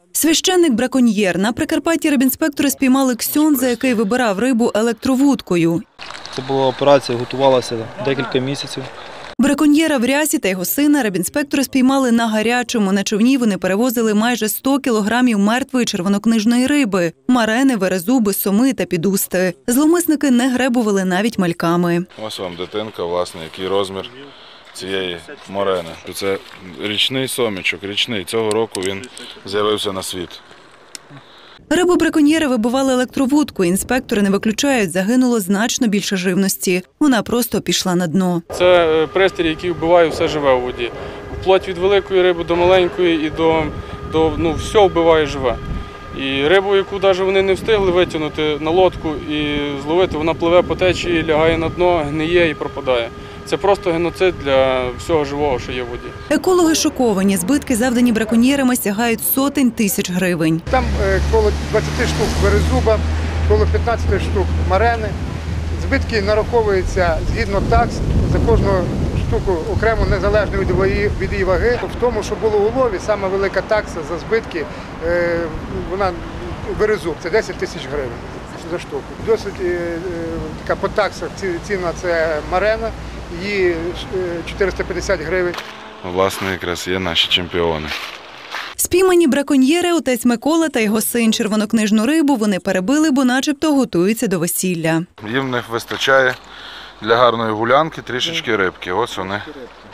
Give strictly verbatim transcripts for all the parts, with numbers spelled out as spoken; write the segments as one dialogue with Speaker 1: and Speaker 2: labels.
Speaker 1: Священник-браконьєр. На Прикарпатті рибінспектори спіймали ксьондза, який вибирав рибу електровудкою.
Speaker 2: Це була операція, готувалася декілька місяців.
Speaker 1: Браконьєра в рясі та його сина рибінспектори спіймали на гарячому. На човні вони перевозили майже сто кілограмів мертвої червонокнижної риби – марени, верезуби, соми та підусти. Зловмисники не гребували навіть мальками.
Speaker 3: Ось вам дитинка, власне, який розмір цієї морени. Це річний сомічок, річний. Цього року він з'явився на світ.
Speaker 1: Рибу браконьєри вибивали електровудку. Інспектори не виключають, загинуло значно більше живності. Вона просто пішла на дно.
Speaker 4: Це пристрій, який вбиває все живе у воді. Вплоть від великої риби до маленької і до, до ну, все вбиває живе. І рибу, яку навіть вони не встигли витягнути на лодку і зловити, вона пливе по течії, лягає на дно, гниє і пропадає. Це просто геноцид для всього живого, що є в воді.
Speaker 1: Екологи шоковані. Збитки, завдані браконьєрами, сягають сотень тисяч гривень.
Speaker 5: Там коло двадцяти штук верезуба, коло п'ятнадцяти штук марени. Збитки нараховуються згідно такс за кожну штуку окремо, незалежно від її ваги. В тому, що було у лові, сама велика такса за збитки, вона верезуб, це десять тисяч гривень за штуку. Досить така по таксах ціна – це марена, її чотириста п'ятдесят гривень.
Speaker 3: Власне, якраз є наші чемпіони.
Speaker 1: Спіймані браконьєри, отець Микола та його син, червонокнижну рибу вони перебили, бо начебто готуються до весілля.
Speaker 3: Їм не вистачає для гарної гулянки трішечки рибки. Ось вони.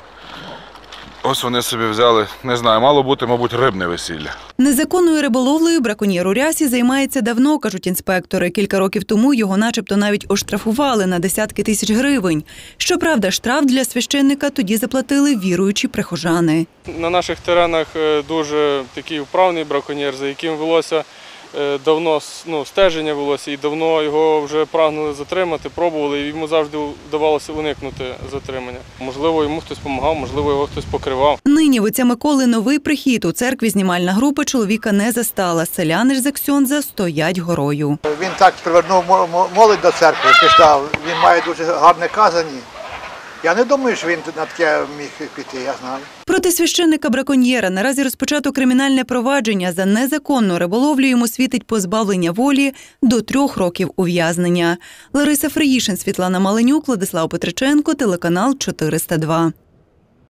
Speaker 3: Ось вони собі взяли, не знаю, мало бути, мабуть, рибне весілля.
Speaker 1: Незаконною риболовлею браконьєр у рясі займається давно, кажуть інспектори. Кілька років тому його начебто навіть оштрафували на десятки тисяч гривень. Щоправда, штраф для священника тоді заплатили віруючі прихожани.
Speaker 4: На наших теренах дуже такий вправний браконьєр, за яким велося давно ну, стеження велося, і давно його вже прагнули затримати, пробували, і йому завжди вдавалося уникнути затримання. Можливо, йому хтось допомагав, можливо, його хтось покривав.
Speaker 1: Нині в отця Миколи новий прихід. У церкві знімальна група чоловіка не застала. Селяни ж за ксьондза стоять горою.
Speaker 6: Він так привернув молодь до церкви, пішла. Він має дуже гарне казані. Я не думаю, що він на таке міг піти, я знаю.
Speaker 1: Проти священника-браконьєра наразі розпочато кримінальне провадження. За незаконну риболовлю йому світить позбавлення волі до трьох років ув'язнення. Лариса Фриїшин, Світлана Маленюк, Владислав Петриченко, телеканал чотириста два.